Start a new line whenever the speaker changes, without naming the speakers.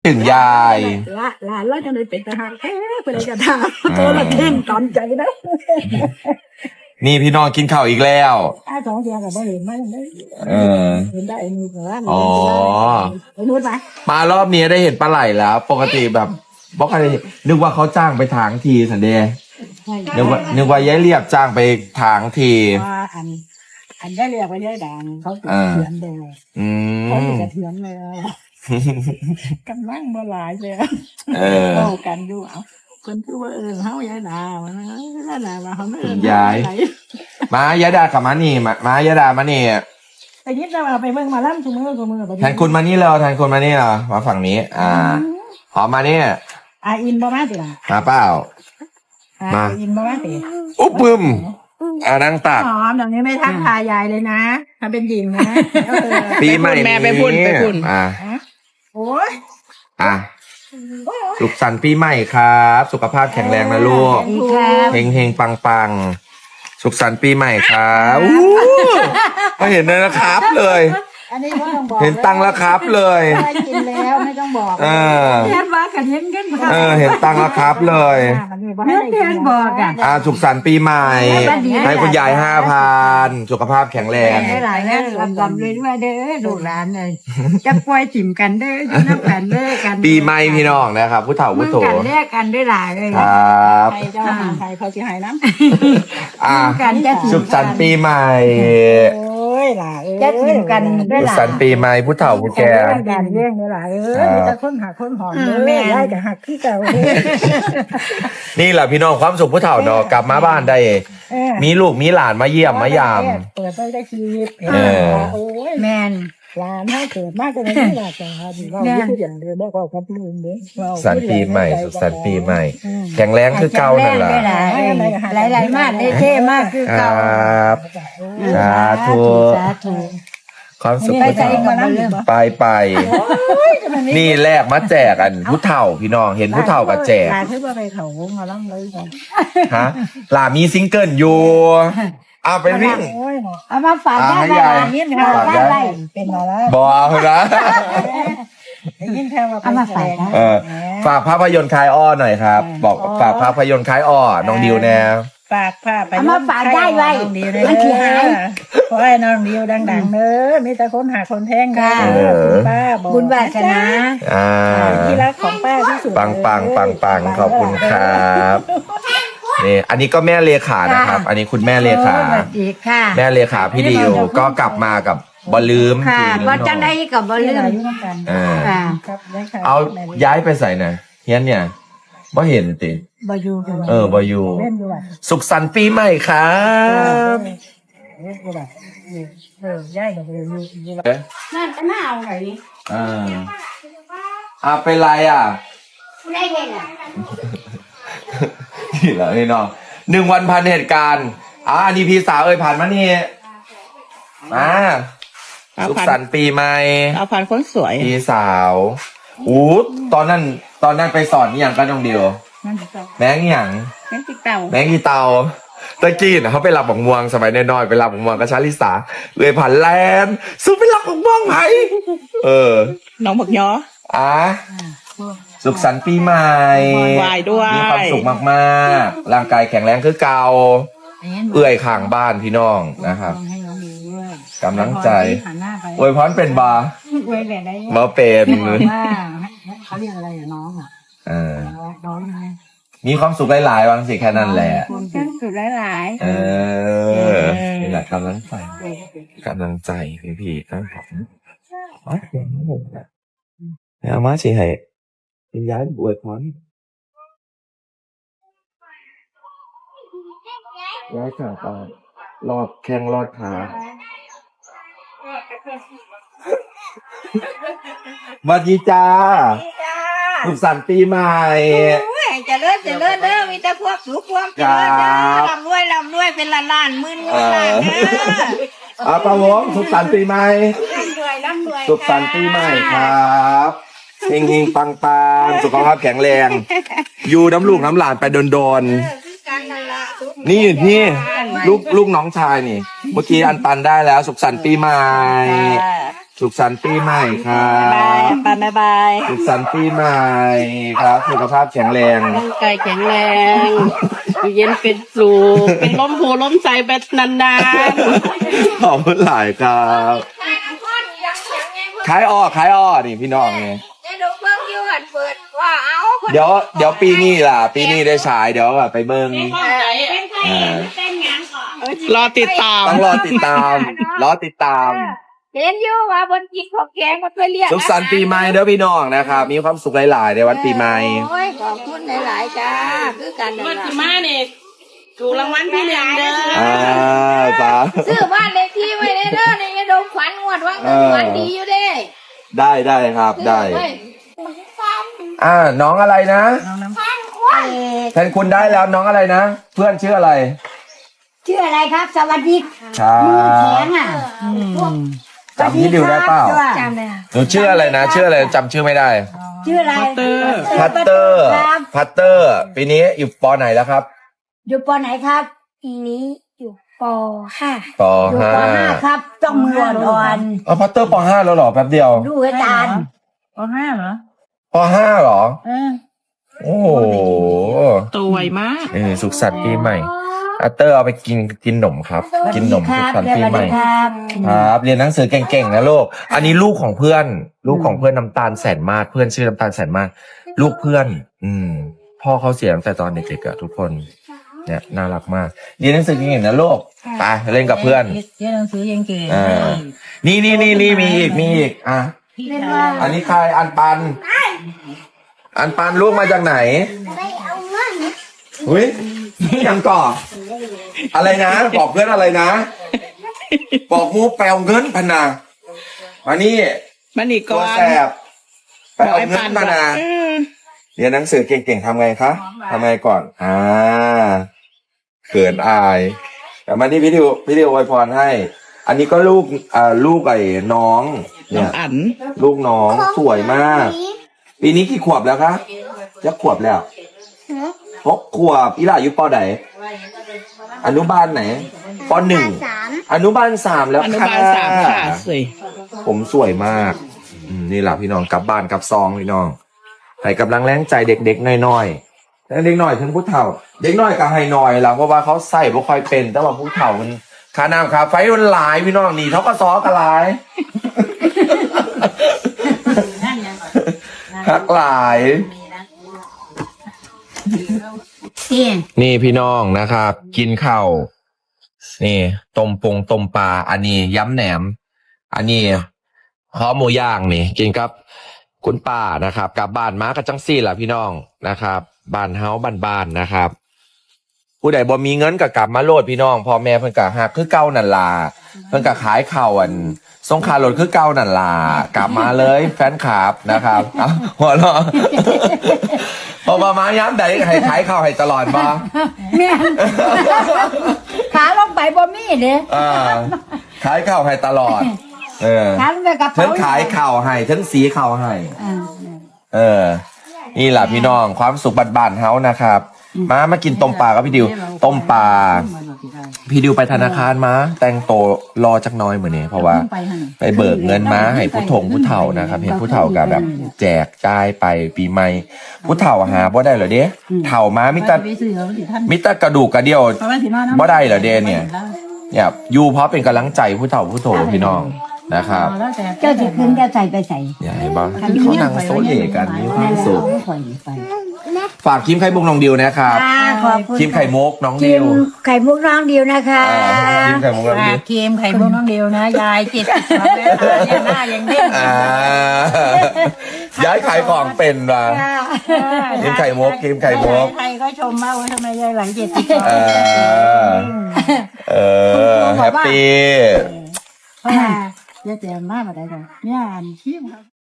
ถึงยาย
ละหลานเราจะได้เป็นทหารแท้ไปเลยจะทำตัวละเท่งตอนใจนะ
นี่พี่น้องกินข้าวอีกแล้ว
ถ้าสองเสียกับบ่เห็นไหมได้ เห็นได้ไอ้นู่นเหรอ
อ๋อ
ไอ้นู่นไหม
มารอบนี้ได้เห็นปลาไหลแล้ว ปกติแบบบอกอะไรนึกว่าเขาจ้างไปถางทีสันเดย์นึกว่ายายเรียบจ้างไปถางที
ว่าอันได้เรียกว่าได้ดังเขาติดเถือนแดง
อื
เขาติ
ม
ดเถือนเลยกำลังบ่หลายเลย
อ
เล่ากันดูเอาคนคือว่าเฮายายดาวันนั้นยายดาว่าเขาไม่
มายายดากับมานี่มายายดามานี่
แต่ยิดเราไปเบิ่งมาล่ำชูมือไป
แทนคุณมานี่เลยแทนคุณมานี่เหรอมาฝั่งนี้ หอมมานี่
อินบ่มาติล่ะ
มาเปล่า
อินบ่มาติ
อุ๊บปึมนั่งตัก
หอมอย่างนี้ไม่ทักทายยายเลยนะถ้าเป็นหญิงนะ
ปีใหม่
แม่ไปพุ่น
โอ้ย
สุขสันต์ปีใหม่ครับ สุขภาพแข็งแรงนะลูก
ดีครับ
เฮงเฮงปังปังสุขสันต์ปีใหม่ครับก็เห็นเลยนะครับเลย
อันนี้ไม่ต้องบอก
เห็นตังค์แล้วครับเลย
ได้กินแล้วไม่ต้องบอก
เออ
แทนว่ากันเห็นกัน
เห็นตังค์แล้วครับเลย
แทนบอกอ่ะ
สุขสันต์ปีใหม่ ให้คุณยาย5,000สุขภาพแข็งแรง
ได้หลายแล้วลำเลยด้วยเด้อลูกหลานเลยจะปล่อยถิ่มกันเด้ออยู่น้ำกันเด้อกัน
ปีใหม่พี่น้องนะครับผู้เฒ่าผู้โต
กันแลกกันได้หลายเลย
ครับ
ใครเจ้าหาใครเขาจะหายน้ำกันจะถิ่ม
สุขสันต์ปีใหม่
โอ้ยล่ะจะถิ่มกันได้
สุ
ห
ข
ลาย
สันต์ปีใหม่ผู้เฒ่าผู้แก่
กันเรื่องได้หลายมีแต่คนหักคนหอมแม่ได้กับหักที่เก่า
นี่แหละพี่น้องความสุขผู้เฒ่าเนาะกลับมาบ้านได้ มีลูกมีหลานมาเยี่ยมมายาม
เปิดได้ชีวิตโอ้ย
แมน
หลานให้เกิดมากกว่านี้หลานจะหาดีเราพูดอย่างเดียวบอกว่าครับลุงเด้
สันต์ปีใหม่สุขสันต์ปีใหม่ แข็งแรงคือเก่านั่นแหละ
หลายมากได้เท่มากคือ
ค
เก่า
รับสาธุ
สาธุ
ความสุข
ไป
ผู้
ใจ
เฒ่า
กับเรื่อง
ไปนี่แลกมาแจกกันผู้เฒ่าพี่น้องเห็นผู้เฒ่ากับแจก
หลานคือว่าไปเขาวงมาล้ำเลยกัน
ฮะหลามีซิงเกิลอยู่เอาไปวิ่ง
โอ้ย
เอามาฝากได้
ให้
ไหม
ยาย
ยินค่ะได้ไหม
เป็นมาแล้ว
บอกนะ
ยิ่งแค่ว่า
ฝากภาพยนตร์คลายอ้อหน่อยครับ บอกฝากภาพยนตร์คลายอ้อน้องดิวแนว
ฝากผ้าไป
เอามาฝากได้ไว้
น้องดิว
มันที่หาย
ขอให้น้องดิวดังๆเด้อมีแต่คนหาคนแท่งค่ะป้าบอก
บุญวาสนา
ที่รักของป้าที่สุด
ปังขอบคุณครับนี่อันนี้ก็แม่เลขานะครับ อันนี้คุณแม่เลขา
สวัสดีค่ะ
แม่เลขาพี่ดิวก็กลับมากับบอลลืม
ค่ะก็จังได้กับบ
เรื่
เรื่
อ
อง ง
อายุน้ำกัน
ค่ะ
ครับ
เอาย้ายไปใส่ไหนเฮียนเนี่ยบ่เห็นติ
บายู
บอยู
เล่นด้วย
สุขสันต์ปีใหม่ครับ
ย่ายกับอยู่
นั่นก็น่าเอาไง
เป็นไร
ได้ไงล่ะ
นี่แหละพี่น้อง1 วันพันเหตุการณ์อันนี้พี่สาวผ่านมานี่มาสุขสันต์ปีใหม่
เอาพันคนสวย
พี่สาวตอนนั้นไปสอนนี่ยังกันน้องเดียว
นั่นจะ
แมงอหย่าง
นั่นติดเต่า
แมงอีเตาตะกี้น่ะเขาไปรับบักม่วงสมัยน้อยๆไปรับบักม่วงกับชาลิสาเลยผ่านแลนด์สู้ไปรับบักม่วงไหม
น้องบักย้อ
สุขสันต์ปีใหม่
วายด้วย
มีความสุขมากๆร่างกายแข็งแรงคือเก่าเอื้อยข้างบ้านพี่น้องนะครับ
ให้น้องดูด้วย
กำลังใจ
หันหน้าไป
อวยพรเป็นบา
อวยแบบไหน
มาเป็น
ว่าเขาเรียกอะไรอะน้องอ่ะน้องไง
มีความสุขหลายๆบางสิแค่นั้นแหละ
คนเป็นสุดหลาย
นี่แหละกำลังใจพี่ๆทั้งผมแล้วมาสิให้ย้ายอวยพรย้ายขาตารอดแข้งรอดขาสวัสดีจ้าสุขสันต์ปีใหม่
จะเลิศเด้อมีแต่พวกสูงพวกเจริญเด้อลำรวยเป็นล้านหมื่นเงินล้านเด้อ
ป้าวงสุขสันต์ปีใหม่
ร่ำรวย
สุขสันต์ปีใหม่ครับเฮงๆปังๆสุขภาพแข็งแรง อยู่น้ำลูกน้ำหลานไปโดนๆนี่พี่ลูกน้องชายนี่ เมื่อกี้อันปันได้แล้ว สุขสันต์ปีใหม่สุขสันต์ปีใหม่ครับ
บ๊ายบาย
สุขสันต์ปีใหม่ครับสุขภาพแข็งแรง
ร่างกายแข็งแรงอยู่เย็นเป็นสุขเป็นล้มโพล้มใสแบบนาน
ขอบคุณหลายครับขายอ้อนี่พี่น้องไง
จะดูเบิ่งอยู่หันเปิดว่าเอา
เดี๋ยวปีนี้ล่ะ ปีนี้ได้ฉายเดี๋ยวไปเบิ่ง
รอติดตาม
ต้องรอติดตาม
เห็นอยู่ว่าบนกินของแกงมันไปเรียก
สุขสันต์ปีใหม่เด้อพี่น้องนะครับมีความสุขหลายๆในวันปีใหม่
โอ้ยขอบคุณหลายๆจ้าคือกันนั่น
วัน
ล่ะ
ที่มาเนี่ยถูกรางวัลที่หนึ่งเด้อ
จ้า
ซื้อบ้านเลขที่ไว้ในเด้อในยาดมฝันงวดว่าเงินฝันดีอยู่เด้
ได้ครับได้
ซื้อว้
น้องอะไรนะแทนคุณได้แล้วน้องอะไรนะ เพื่อนชื่ออะไร
ชื่ออะไรครับ สวัสดี
ครับ
มือแข็งอ่ะ
จำพี่ดิวได้เปล่า
จำเลย
หนูชื่ออะไรนะชื่ออะไรจำชื่อไม่ได้
ชื่ออะไร
พัตเตอร์
ครับ
พัตเตอร์ปีนี้อยู่ปไหนแล้วครับ
อยู่ปไหนครับ
ปีนี้อยู่ป .5
ป
อยู่ป .5 ครับ ต้องมืออ่อน
อ๋อพัตเตอร์ป5แล้วเหรอแป๊บเดียว
ๆดูอาจารย์
ป5เหรอโอ้โห
ตัวไวมาก
สุขสันต์ปีใหม่พัตเตอร์เอาไปกินขนมครับกินขนม
ค
สุข
รับ
สันต์
ส
ปี
วัส
ใหม่
ดีครับ
ครับเรียนหนังสือเก่งๆนะลูกอันนี้ลูกของเพื่อนน้ำตาลแสนมาศเพื่อนชื่อน้ำตาลแสนมาศลูกเพื่อน พ่อเขาเสียตั้งแต่ตอนเด็กๆอะทุกคนเนี่ยน่ารักมากเรียนหนังสือเก่งๆนะลูกไปเล่นกับเพื่อน
เรียนหนังสือเก่ง
อ่านี่มีอีกอ่ะอันนี้ใครอันปันลูกมาจากไหนอุ้ยยังก่ออะไรนะบอกเพื่อนอะไรนะบอกมูแปลเงินพนามานี่
มันอีก
ตั
ก่
ว
อน
แสบไปเอาเงินมานาเรียนหนังสือเก่งๆทำไงคะทำไงก่อนเขินอายแต่มาที่พี่ดิวอวยพรให้ อันนี้ก็ลูกไอ้น้อง
น้
เนี่
อง
ย
อัน
ลูกน้องสวยมาก ปีนี้กี่ขวบแล้วคะยักขวบแล้ว6 ขวบอีหล่าอยู่ปอไหนอนุบาลไหนป1อนุบาล3แล้ว
อนุ
ค่ะ
บาล3ค่ะสิ
ผมสวยมากนี่แหละพี่น้องกลับบ้านกลับซองพี่น้องให้กำลังแรงใจเด็กๆน้อยๆแต่เด็กน้อยถึงผู้เฒ่า เด็กน้อยก็ให้น้อยแล้วเพราะว่าเขาใส่บ่ค่อยเป็นแต่ว่าผู้เฒ่ามันค่าน้ำค่าไฟมันหลายพี่น้องนี่เขาก็ซอกันหลายคักหลาย นี่พี่น้องนะครับ กินข้าวนี่ต้มปลาอันนี้ย้ำแหนม อันนี้ข้าวหมูย่างนี่ กินกับคุณป้านะครับกลับบ้านมากับจังซี่แหละพี่น้องนะครับบ้านเฮาบ้านๆนะครับ ผู้ใดบ่มีเงินก็กลับมาโลดพี่น้องพ่อแม่เพิ่นก็หักคือเก่านั่นล่ะเพิ่นก็ขายข้าวส่งค่ารถคือเก่านั่นล่ะกลับมาเลยแฟนคลับนะครับเอาหัวเราะพอมาย้ำใดให้ขายข้าวให้ตลอดบ่
แม่นขาลงไปบ่มีเด้
ขายข้าวให้ตลอด
ขาลงไปกระ
ฉั
เป๋าน
ขายข้าวให้ฉันสีข้าวให้
อ่า
นี่แหละพี่น้องความสุขบ้านๆเฮานะครับมากินต้มปลากับพี่ดิวต้มปลาพี่ดิวไปธนาคารมาแต่งโตวรอจักหน้อยเหมือนนี้เพราะว่าไปเบิกเงินมาให้ผู้เฒ่านะครับเห็นผู้เฒ่ากับแบบแจกจ่ายไปปีใหม่ผู้เฒ่าหาบ่ได้เหรอเด้เฒ่ามามิตรกระดูกกระเดี่ยวบ่ได้เหรอเด้เนี่ยอยู่เพราะเป็นกำลังใจผู้เฒ่าผู้โถพี่น้องนะครับ
เจ้าสิคืนจะใส่ไปใส่
อย่าให้บ้างเขานั่งโซเล่กันมีความสุข
ข่อยไป
ฝากครีมไข่มุกน้องดิวนะครับ
ขอบคุณ
ครีมไข่มุกน้อง
ครี
ดิ
ม
ว
ไข่มุกน้องดิวนะคะ
ครีมไข่มุกน้องดิว
ครีมไข่มุกน้องดิวนะยายจิตหน้ายังเด้ง
ย้ายขายของเป็นว่ะครีมไข่มุกครีมไข่มุก
ใครก็ชมมากว่าทำไมยายหลังจิตติด
แฮปปี้
ยายแจ่มมากอะไรกันเนี่ยอ่านครีมครับ